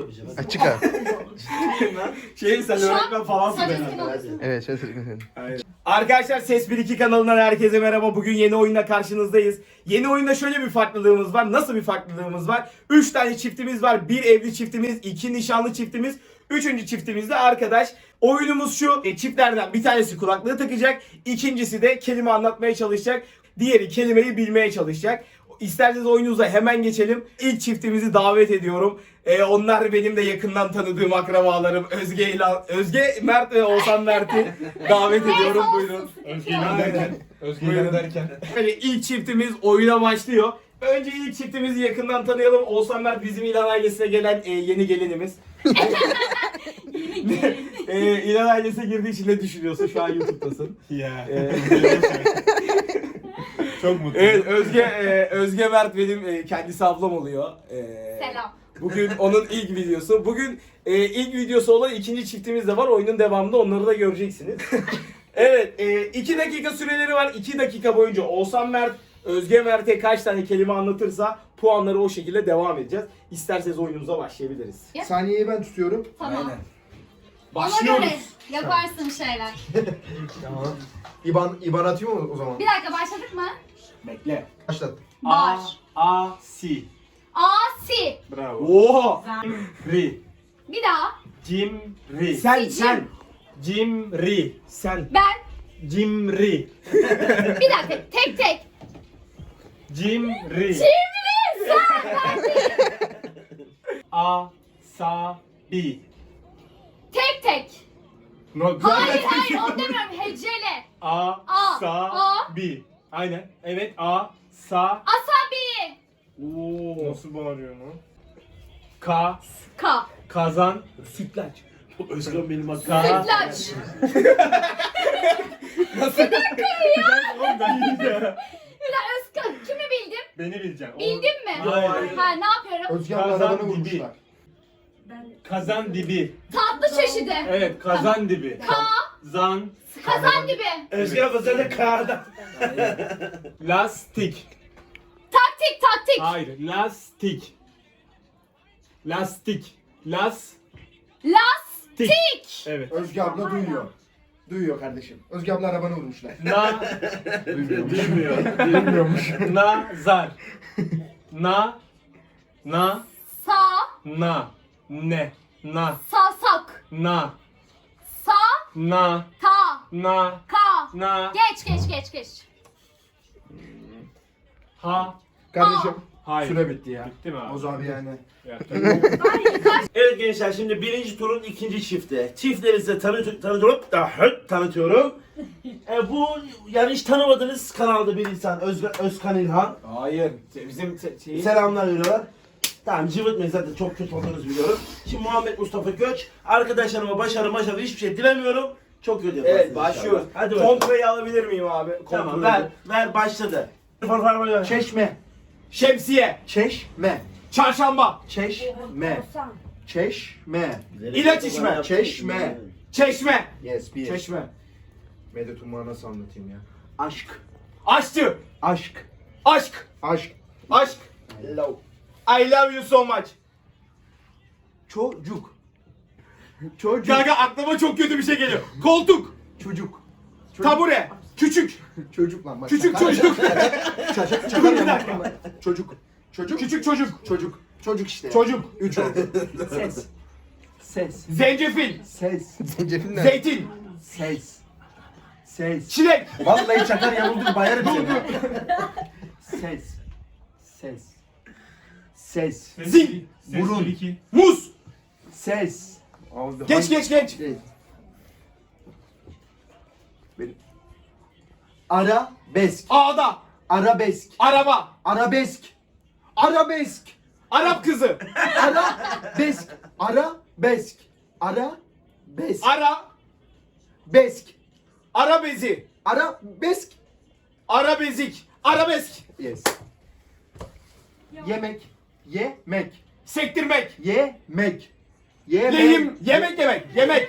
yapacağım. Çıkar. Sen öğretmen falansın herhalde. Evet şöyle söyleyeyim. Arkadaşlar Ses 1-2 kanalından herkese merhaba. Bugün yeni oyunda karşınızdayız. Yeni oyunda şöyle bir farklılığımız var. Nasıl bir farklılığımız var? 3 tane çiftimiz var. 1 evli çiftimiz, 2 nişanlı çiftimiz, 3. çiftimiz de arkadaş. Oyunumuz şu. Çiftlerden bir tanesi kulaklığı takacak. İkincisi de kelime anlatmaya çalışacak. Diğeri kelimeyi bilmeye çalışacak. İsterseniz oyununuza hemen geçelim. İlk çiftimizi davet ediyorum. Onlar benim de yakından tanıdığım akrabalarım. Özge Mert ve Oğuzhan Mert'i davet ediyorum. Buyurun. Özgür derken. Böyle ilk çiftimiz oyuna başlıyor. Önce ilk çiftimizi yakından tanıyalım. Oğuzhan Mert bizim İlhan ailesine gelen yeni gelinimiz. İlhan ailesine girdiği için ne düşünüyorsun? Şu an YouTube'dasın. Ya. Çok mutluyum. Evet, Özge Mert benim kendisi ablam oluyor. Selam. Bugün onun ilk videosu. Bugün ilk videosu olan ikinci çiftimiz de var. Oyunun devamında onları da göreceksiniz. Evet, 2 dakika süreleri var. 2 dakika boyunca Oğuzhan Mert, Özge Mert'e kaç tane kelime anlatırsa puanları o şekilde devam edeceğiz. İsterseniz oyunumuza başlayabiliriz. Saniyeyi ben tutuyorum. Tamam. Aynen. Ona Başlıyoruz. göre yaparsın şeyler. Tamam. İban atıyor mu o zaman? Bir dakika başladık mı? Bekle. Başlat. Var. A-si. Asi. Bravo. Oha! Ri. Bir daha. Cimri. Sen. Cimri. Sen. Ben. Cimri. Bir dakika. Tek tek. Cimri. Cimri. Sen. Ben değil. Asabi. Tek tek. No, Hayır onu demiyorum. Hecele. Asabi. Aynen. Evet. Asa. Asabi. Oo. Nasıl bağırıyor mu? Ka. Kazan. Sütlaç. Özkan benim hakkım. Sütlaç. Bir dakika Özkan. Kimi bildim? Beni bileceksin. Bildim mi? Hayır. Ha ne yapıyorum? Özge abla Kazan arabanı dibi. vurmuşlar. Kazan dibi. Tatlı çeşidi. Evet. Kazan dibi. Zan. Kazan dibi. Özkan abla sen de kağıda. Lastik. Taktik taktik. Hayır. Lastik. Lastik. Lastik. Evet. Özge abla duyuyor. Duyuyor kardeşim. Özge abla arabanı vurmuşlar. Bilmiyor. Bilmiyormuş. Nazar. Na. Sa. Ne. Sasak. Na. Sa. Na. Ta. Na. Ka. Na. Geç. Ha. Kardeşim. Hayır. Süre bitti ya. Bitti mi abi? Oz abi yani. Ya, Evet gençler şimdi birinci turun ikinci çifti. Çiftleri size tanıtıyorum. Bu yani hiç tanımadığınız kanalda bir insan Özkan İlhan. Hayır. Bizim Selamlar veriyorlar. Tamam cıvıtmayın zaten çok kötü olduğunuzu biliyorum. Şimdi Muhammed Mustafa Göç. Arkadaşlarıma başarı hiçbir şey dilemiyorum. Çok kötü yaparsınız. Evet başlıyoruz. inşallah. Hadi bakalım. Kontrayı alabilir miyim abi? Tamam Kontrolü. ver başladı. Çeşme. Şemsiye. Çeşme. Çarşamba. Çeşme. Çeşme. İlaç içme. Çeşme. Çeşme. Yes bir. Çeşme. Medet Umman'ı nasıl anlatayım ya? Aşk. Aşçı. Aşk. Aşk. Aşk. Aşk. Love. I love you so much. Çocuk. Çocuk. Gaga aklıma çok kötü bir şey geliyor. Koltuk. Çocuk. Tabure. Küçük. Çocuk lan. bak. Küçük Şaka- çocuk. Çakar Bir ya, dakika. bak. Çocuk. Çocuk. Küçük çocuk. Çocuk. Çocuk işte. Çocuk. 3 oldu. Ses. Zencefil. Ses. Zencefil Zeytin. Ses. Çilek. Vallahi çakar yamuldun bayarım seni. Ses. Zil. Burun. Muz. Ses. Geç. Şey. Benim. Arabesk. Ağda. Arabesk. Araba. Arabesk. Arabesk. Arap kızı. Arabesk. Arabesk. Arabesk. Ara. Besk. Ara bezi. Arabesk. Arabezik. Arabesk. Yes. Yemek. Yemek. Sektirmek. Yemek. Yemek. Lehim. Yemek.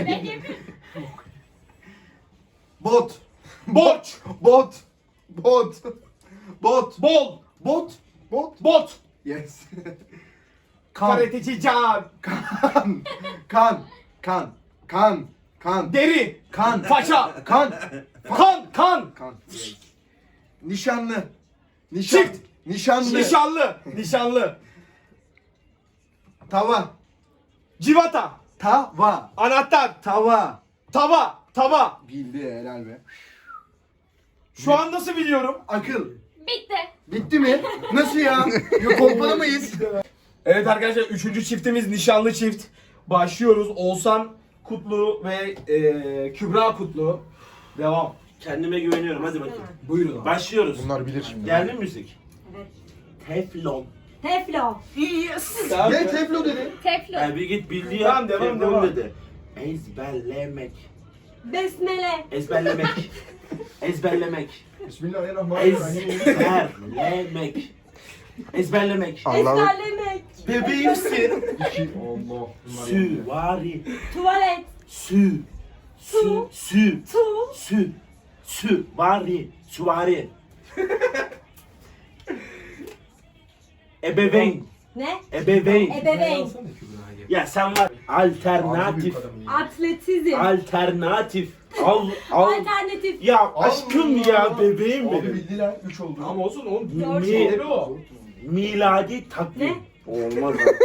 Bot. Borç. Bot. Bol. Bot. Bot. Yes. Karateci Can. Kan. Deri. Kan. Paça. Kan. Kan. Kan. Nişanlı. Çift. Nişanlı. Nişanlı. Tava. Civata. Tava. Anahtar. Tava. Tava. Bildi helal be. Şu an nasıl biliyorum? Akıl. Bitti. Bitti mi? Nasıl ya? Yok kolpalı mıyız? Evet arkadaşlar 3. çiftimiz nişanlı çift. Başlıyoruz. Oğuzhan Kutlu ve Kübra Kutlu. Devam. Kendime güveniyorum hadi bakayım. Buyurun abi. Başlıyoruz. Bunlar bilir şimdi. Geldi mi müzik? Evet. Teflon. Teflon. Ne teflo dedi? Teflon. Yani bir git bildiği Tamam, devam. dedi. Ezberlemek. Besmele. Ezberlemek. Ezberlemek. Bismillahirrahmanirrahim. Ezberlemek. Ezberlemek. Ezberlemek. Bebeğimsin. Allah. Süvari. Tuvalet. Sü. Su. Sü. Süvari. Süvari. Ebeveyn. Ne? Ebeveyn. Ebeveyn. Ya sen var. Alternatif. Atletizm. Alternatif. Al. Alternatif. Ya aşkım ya bebeğim Abi benim. bildiler 3 oldu. Ama olsun oğlum. Doğru. Doğru o. Miladi takvim. Ne? Olmaz abi.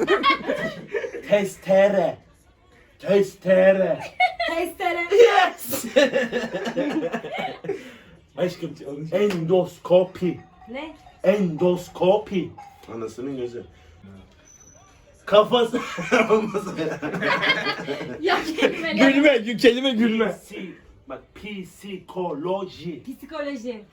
Testere. Testere. Testere. Yes. Aşkım endoskopi. Ne? Endoskopi. Anasının gözü. Kafası. Olmaz ya. Ya kelimeler. Kelime gülme. Bak psikoloji. Psikoloji.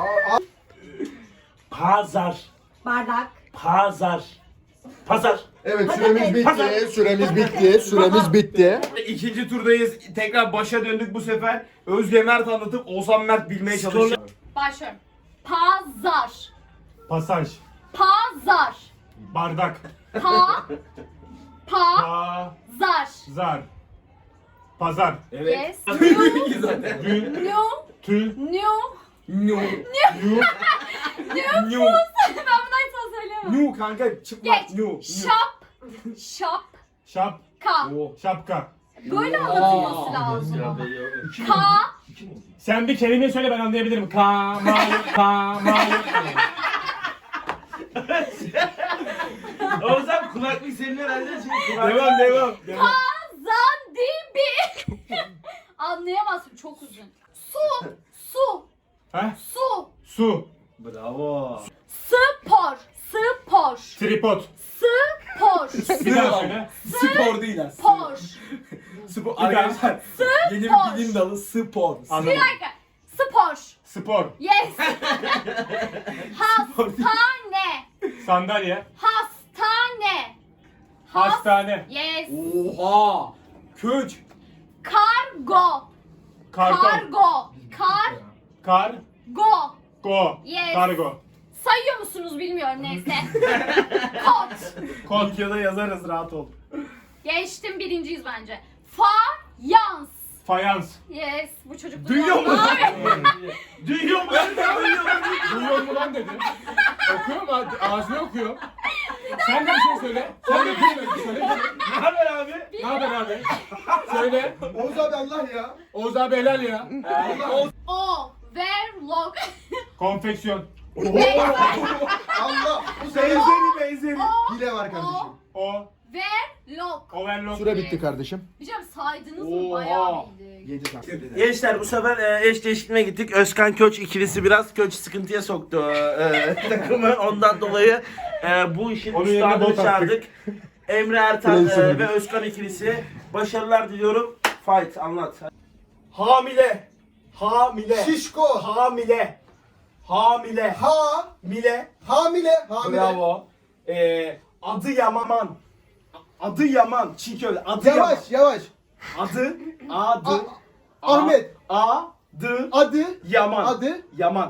Pazar. Bardak. Pazar. Evet Patates. süremiz bitti. İkinci turdayız. Tekrar başa döndük bu sefer. Özge Mert anlatıp Oğuzhan Mert bilmeye çalışacak. Başlıyorum. Pazar. Pasaj. Pazar. Bardak. Pazar. Pazar. Pazar. Evet. Yes. Zaten. Gün. New. Tü. New. New. Yu. New. Ben bunu hiç söyleyemem. New kanka çıplak. Geç. New. Şap. Şapka. Şap. Şapka. Böyle anlatılması lazım. Ka. Sen bir kelime söyle ben anlayabilirim. Kamal. O zaman kulaklık senin herhalde şey kulaklık. Devam. Zandibi. Anlayamazsın çok uzun. Su. Heh? Su. Bravo. Spor. Tripod. Spor. Bir daha söyle. Spor değil aslında. Spor. Spor. daha. Arkadaşlar yeni bir bilim dalı spor. Bir Anladım. dakika. Spor. Spor. Yes. Hastane. Sandalye. Hastane. Hastane. Yes. Oha. Köç. Kargo. Karton. Kargo. Go. Yes. Kargo. Sayıyor musunuz bilmiyorum neyse. Kot. Kod. Videoda yazarız rahat ol. Geçtim birinciyiz bence. Fayans. Fayans. Yes. Bu çocuk Duyuyor bunu musun? Abi. Duyuyor musun? Duyuyor mu lan dedi. Okuyor mu? Ağzını okuyor. Sen de bir şey söyle. Sen de bir şey söyle. Ne haber abi? Ne haber abi? Söyle. Oğuz abi Allah ya. Oğuz abi helal ya. Overlock. Konfeksiyon. Allah. Bu Benzeri. hile var kardeşim. Overlock. Overlock. Süre bitti kardeşim. Hocam saydınız mı? Oha. Bayağı bildik. 7 tane. Gençler bu sefer eş değişikliğine gittik. Özkan Köç ikilisi biraz Köç sıkıntıya soktu takımı. Ondan dolayı bu işin Onun yerine üstadını bot attık. çağırdık. Emre Ertan Neyse. ve Özkan ikilisi. Başarılar diliyorum. Fight anlat. Hamile. Şişko. Hamile. Hamile. Hamile. Hamile. Bravo. Adı Yaman. Adı Yaman. Çiğ köfte. Adı Yavaş. Yaman. Adı. Ahmet. Adı. Adı. Yaman. Adı. Yaman.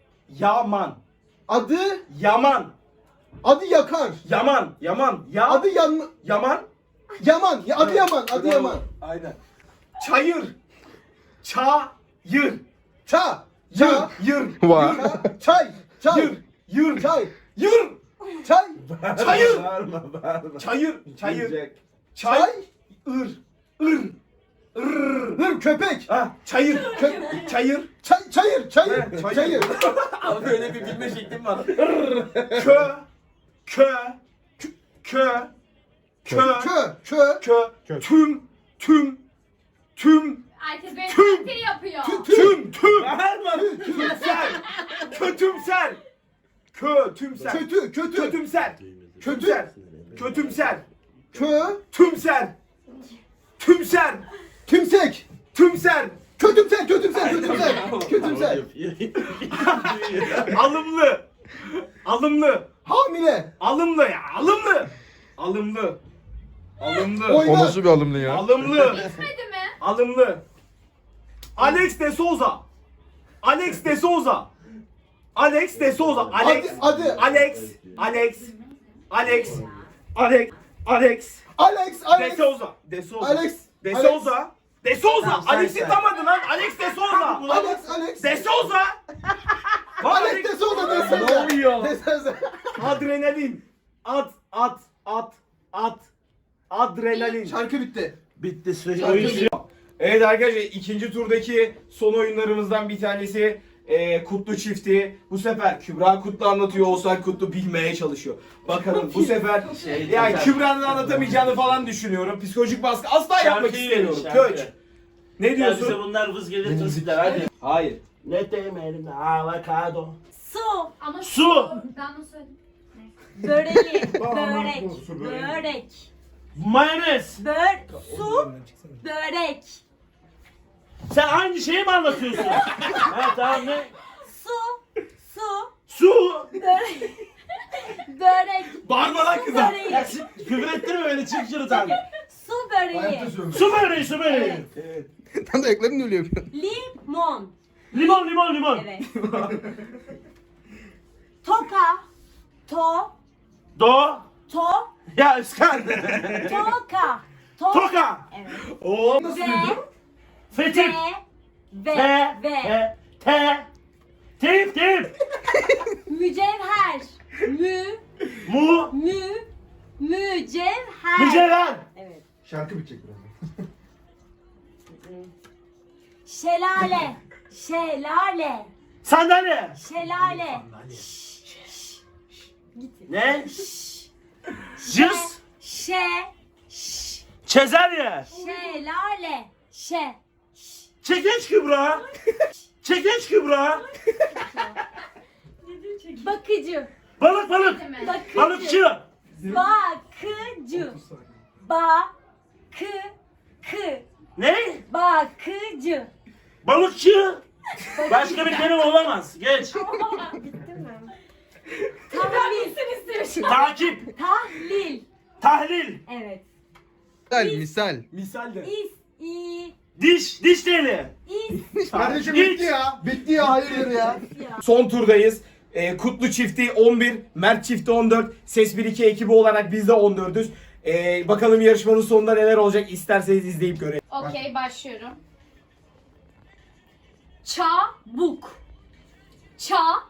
Adı. Yaman. Adı yakar. Yaman. Adı yan. Yaman. Yaman. Adı Yaman. Adı Bravo. Yaman. Aynen. Çayır. Çayır. Ça. Yır. Çay. Çay. Yır. Çay. Yır. Çay. Çayır. Bağırma. Çayır. Diyecek. Çay. Çay. Ir. Ir. Ir. Hır köpek. Ha, çayır. Çayır. Çayır. Çayır. Abi öyle bir bilme şeklim var. Kö. Kö. Kö. Kö. Kö. Kö. Tüm. Herkes benim Tüm. taklidi yapıyor. Tüm. Bağırma. Tümsel. Kötümsel. Kötümsel. Kötü. Kötümsel. Kötümsel. Kötümsel. Kö. Tümsel. Tümsel. Tümsek. Tümsel. Kötümser. Alımlı. Hamile. Alımlı. Oyna. O nasıl bir alımlı ya? Alımlı. Bitmedi mi? Alımlı. Alex de Souza. Alex. Adı. De Souza. Tamam, Alex'i sen. tanımadın lan. Alex de Souza. Alex. De Souza. Alex de Souza. Ne oluyor? Desene. Adrenalin. Adrenalin. Şarkı bitti. Bitti süre. Oyuncu. Evet arkadaşlar ikinci turdaki son oyunlarımızdan bir tanesi Kutlu çifti. Bu sefer Kübra Kutlu anlatıyor, Oğuzhan Kutlu bilmeye çalışıyor. Bakalım bu sefer yani Kübra'nın anlatamayacağını falan düşünüyorum. Psikolojik baskı asla yapmak istemiyorum. Köç. Ne Ya diyorsun? bize bunlar vız gelir tırsikler hadi. Hayır. Ne temelim avokado. Su. Ama Su. Ben onu söyledim. Böreği. Su böreği. Börek. Mayonez. Su. Börek. Sen aynı şeyi mi anlatıyorsun? Ha tamam ne? Su. Su. Börek. Börek. Bağırma lan kıza. Böreği. Ya küfür ettirme beni çık şuradan. Su böreği. Su böreği su böreği. Tam da ayaklarını öyle yapıyor. Limon. Limon. Evet. Toka. Do. Ya Özkan. Toka. Toka. Evet. Oo. Fetip. Ve. Tip. Mücevher. Mücevher. Mücevher. Evet. Şarkı bitecek birazdan. Şelale. Sandalye. Ne? Cız. Çezerye. Şelale. Çekeç Kübra. Bakıcı. Balık. Bitti mi? Balıkçı. Bakıcı. Ne? Bakıcı. Balıkçı. Başka bir kelime olamaz. Geç. Bitti mi? Tahlil. Takip. Tahlil. Tahlil. Evet. Misal. Misal de. Diş teli. Kardeşim Hiç. bitti ya. Hayırdır ya. Son turdayız. Kutlu çifti 11, Mert çifti 14, Ses 1-2 ekibi olarak biz de 14'üz. Bakalım yarışmanın sonunda neler olacak isterseniz izleyip görelim. Okey başlıyorum. Çabuk. Ca.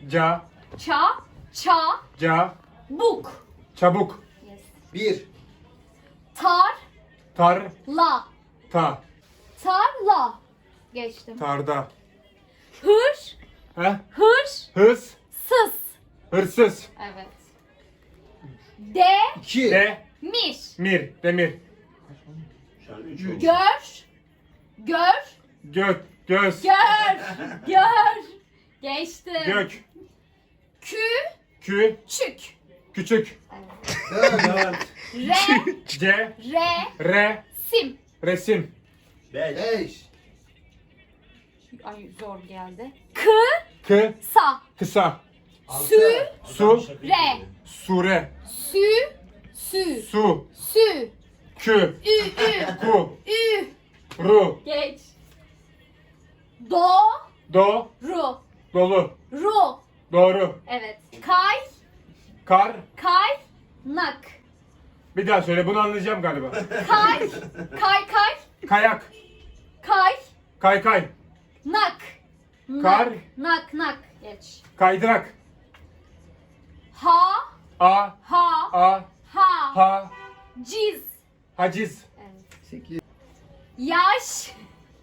Buk. Çabuk. Bir. Tarla. Tarla. Geçtim. Tarda. Hırsız. Hırsız. Evet. İki. Demir. Göz. Gör. Geçtim. Gök. Küçük. Dört. Resim. Resim. Beş. Ay zor geldi. Kısa. Sure. Su. Sure. Su. Kü. Ku. Ru. Geç. Do. Dolu. Ru. Doğru. Evet. Kar. Nak. Bir daha söyle, bunu anlayacağım galiba. Kayak. Kaykay. Nak. Kar. Nak. Geç. Kaydırak. A. Ha. A. Ha. Ha. Ciz. Haciz. Yaş.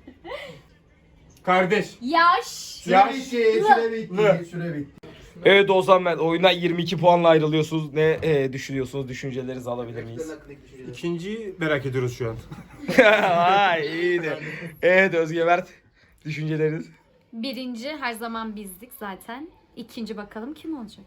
Kardeş. Yaş. Süre bitti, süre bitti, süre bitti. Evet Oğuzhan Mert, oyundan 22 puanla ayrılıyorsunuz. Ne düşünüyorsunuz? Düşüncelerinizi alabilir miyiz? İkinciyi merak ediyoruz şu an. Ay iyiydi. Evet Özge Mert, düşünceleriniz. Birinci her zaman bizdik zaten. İkinci bakalım kim olacak?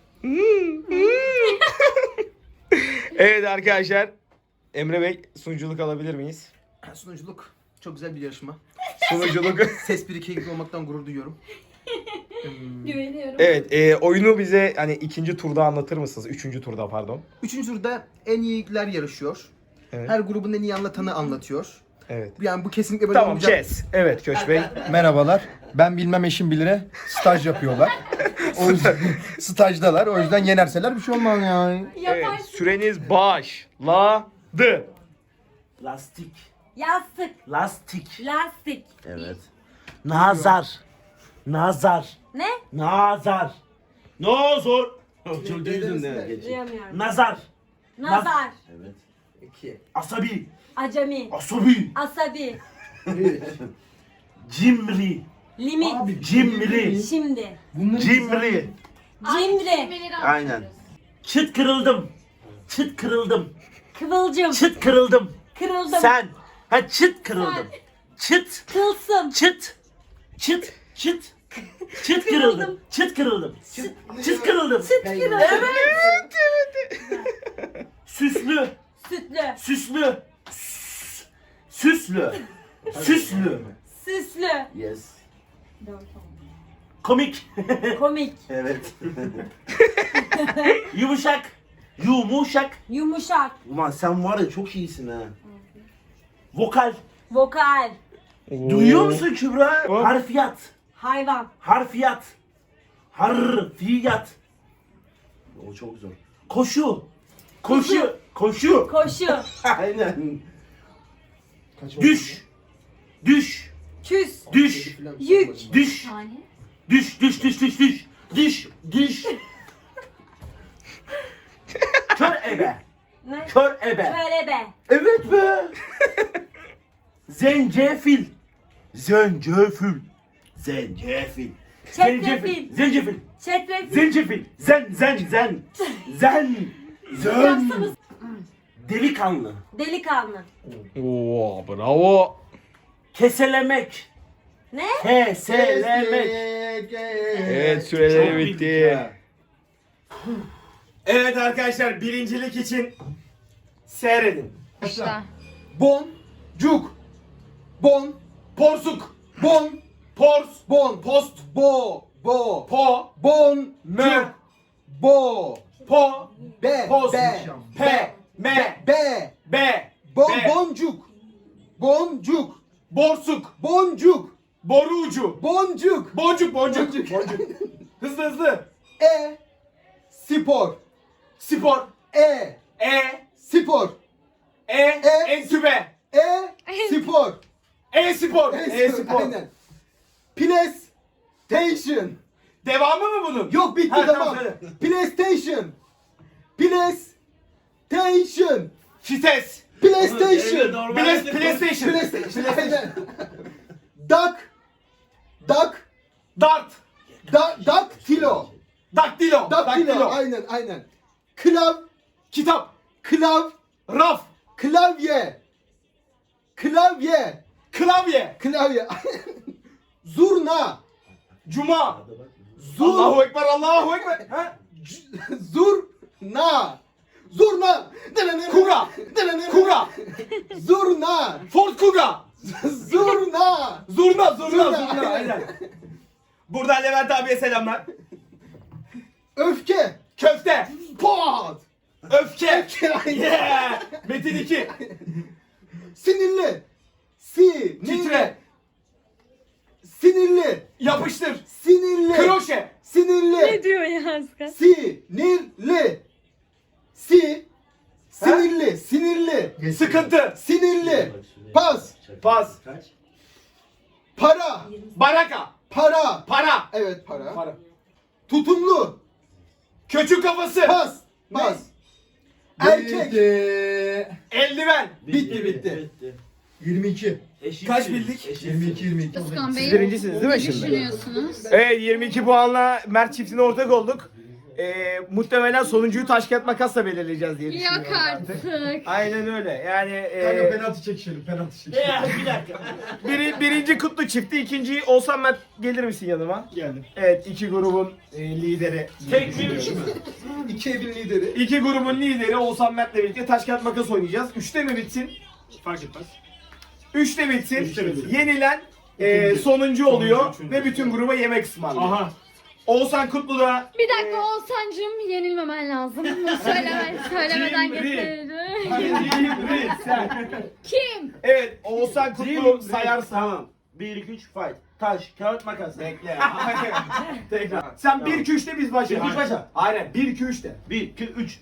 Evet arkadaşlar, Emre Bey sunuculuk alabilir miyiz? Sunuculuk çok güzel bir yarışma. Sunuculuk. Ses 1-2 gibi olmaktan gurur duyuyorum. Güveniyorum. Evet, oyunu bize hani ikinci turda anlatır mısınız? Üçüncü turda pardon. Üçüncü turda en iyiler yarışıyor. Evet. Her grubun en iyi anlatanı anlatıyor. Evet. Yani bu kesinlikle böyle Tamam, olmayacak. kes. Evet Köç Bey. Merhabalar. Ben bilmem eşim bilire staj yapıyorlar. O yüzden stajdalar. O yüzden yenerseler bir şey olmaz yani. Evet, süreniz başladı. Lastik. Yastık. Lastik. Lastik. Evet. Nazar. Nazar. Ne? Nazar. Nazar. Çok duydun değil mi? Geçin. Duyamıyorum. Nazar. Nazar. Evet. 2. Asabi. Acemi. Asabi. Asabi. Cimri. Limit. Cimri. Şimdi. Cimri. Cimri. Aynen. Çıt kırıldım. Çıt kırıldım. Kıvılcım. Çıt kırıldım. Kırıldım. Sen. Ha çıt kırıldım. Çıt. Tılsım. Çıt. Çıt. Çıt. Çıt kırıldım. Çıt kırıldım. Çıt kırıldım. Kırıldım. Süslü. Sütlü. Süslü. Süslü. Süslü. Süslü. Yes. Komik. Komik. Evet. Yumuşak. Yumuşak. Yumuşak. Ulan sen var ya çok iyisin ha. Vokal. Vokal. Duyuyor musun Kübra? Oh. Harfiyat. Hayvan. Harfiyat. Harfiyat. O çok zor. Koşu. Koşu. Koşu. Koşu. Aynen. Düş. Düş. Küs. Düş. Yük. Düş. Tane. Düş. Düş. Düş. Düş. Düş. Düş. Düş. Kör ebe. Ne? Kör ebe. Körebe. Evet be. Zencefil. Zencefil. Zencefil. Çetrefil. Zencefil. Çetrefil. Zencefil. Zen. Zön. Delikanlı. Delikanlı. Oo, bravo. Keselemek. Ne? Keselemek. Evet, Çok süreleri bildik bitti. ha. Evet arkadaşlar, birincilik için seyredin. Başla. Boncuk. Bon. Porsuk. Bon. Pors. Bon. Post. Bo. Bo. Po. Bon. Mö. Bo. Po. Be. Post. Be. Pe. Me. Be. Be. Bon. Be. Boncuk. Boncuk. Borsuk. Boncuk. Boru ucu. Boncuk. Boncuk. Boncuk. Hızlı hızlı. Spor. Spor. E. Spor. E. Entübe. Spor. Spor. Spor. Aynen. PlayStation. Devamı mı bunun? Yok bitti Ha, tamam. söyle. PlayStation. PlayStation. Fites. PlayStation. PlayStation. PlayStation. Aynen. Duck. Duck. Dart. Daktilo. Daktilo. Daktilo. Aynen. Kitap. Raf. Klavye. Klavye. Zurna. Cuma. Allahu Ekber. Allahu Ekber. Ha? Zurna. Kuga. Kuga. Zurna. Ford Kuga. Zurna. Zurna. Aynen. Buradan Levent abiye selamlar. Öfke. Köfte. Pot. Öfke. Aynen. Yeah. Metin 2. Sinirli. Titre. Sinirli. Yapıştır. Sinirli. Kroşe. Sinirli. diyor ya Askan? Sinirli. Sinirli. Sıkıntı. Sinirli. Pas. Pas. Para. Baraka. Para. Para. Evet para. Para. Tutumlu. Köçük kafası. Pas. Bas. Erkek. Eldiven. Bitti. 22. Kaç bildik? 22. Özkan Bey, Siz birincisiniz değil mi ne şimdi? düşünüyorsunuz? Evet 22 puanla Mert çiftine ortak olduk. Muhtemelen sonuncuyu taş kağıt makasla belirleyeceğiz diye düşünüyorum. Yok artık. Aynen öyle. Yani Kanka penaltı çekişelim. Penaltı çekişelim. Bir dakika. birinci Kutlu çifti, ikinciyi Oğuzhan Mert gelir misin yanıma? Geldim. Evet, iki grubun lideri. Tek bir üç mü? İki evin lideri. İki grubun lideri Oğuzhan Mert'le birlikte taş kağıt makas oynayacağız. 3'te mi bitsin? Fark etmez. 3'te bitsin. Üçte bitsin. Yenilen sonuncu oluyor ve bütün gruba yemek ısmarlıyor. Aha. Oğuzhan Kutlu da Bir dakika Oğuzhan'cığım, yenilmemen lazım. Bunu söylemeden geçelim. sen. Kim? Evet, Oğuzhan Kutlu sayarsa. Tamam. 1, 2, 3 fight. Taş, kağıt, makas. Bekle. Tekrar. Sen 1-2-3'te biz başlayalım. 1, 2, 3 başla. Aynen 1-2-3'te. 1, 2, 3.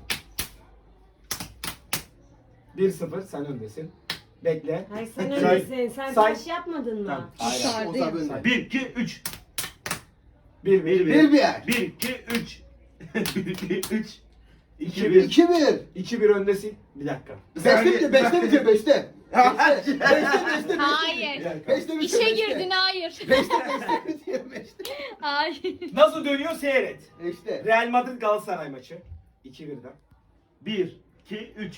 1-0 sen öndesin. Bekle. Hayır sen Say- öylesin. Sen say- taş yapmadın mı? Aynen. 1, 2, 3. 1-1. 1-1. 1, 2, 3. 1, 2, 3. 2, 2-1. 1. 2-1. 2-1 öndesin. Bir dakika. 5'te bitiyor. 5'te bitiyor. 5'te. 5'te. Hayır. 5'te bitiyor. İşe girdin, hayır. 5'te bitiyor. 5'te. Hayır. Nasıl dönüyor seyret. İşte. Real Madrid Galatasaray maçı. 2-1'den. 1, 2, 3.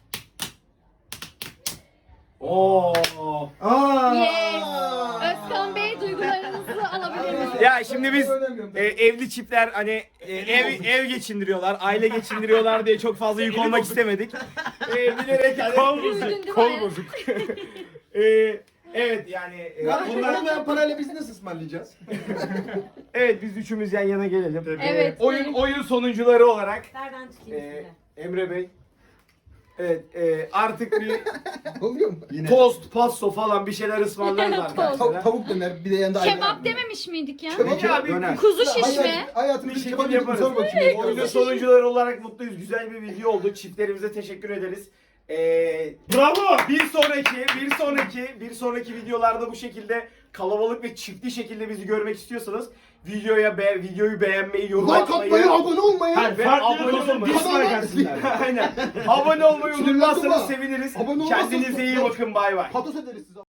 Oo. Yes. Özkan Bey, duygularınızı alabilir miyim? Ya şimdi biz evli çiftler hani ev geçindiriyorlar, aile geçindiriyorlar diye çok fazla yük olmak istemedik. Bilerek hani Üzüldün değil mi? kol bozuk. Evet yani bunlar Bunlar parayla biz nasıl ısmarlayacağız? evet biz üçümüz yan yana gelelim. Evet. Oyun sonuncuları olarak Nereden tutayım e, sizi? Emre Bey evet artık bir Oluyor mu? Yine. tost, pasto falan bir şeyler ısmarlarız arkadaşlar. Tavuk döner bir de yanında Kebap dememiş miydik ya? Kebap ya, bir Kuzu şişme. Hayatımda Bir bir şekil kebap yaparız. yaparız. Sor bakayım. Oyunun sonuncuları olarak mutluyuz. Güzel bir video oldu. Çiftlerimize teşekkür ederiz. Bravo! Bir sonraki videolarda bu şekilde kalabalık ve çiftli şekilde bizi görmek istiyorsanız videoyu beğenmeyi, yorum Like atmayı atmayı, abone olmayı. ve Farklı abone olsun, olmayı. dislike atsınlar. Aynen. Abone olmayı Sinirlendim unutmazsanız ha. seviniriz. Abone olmazsanız- Kendinize iyi bakın. Bay bay. Patos ederiz size.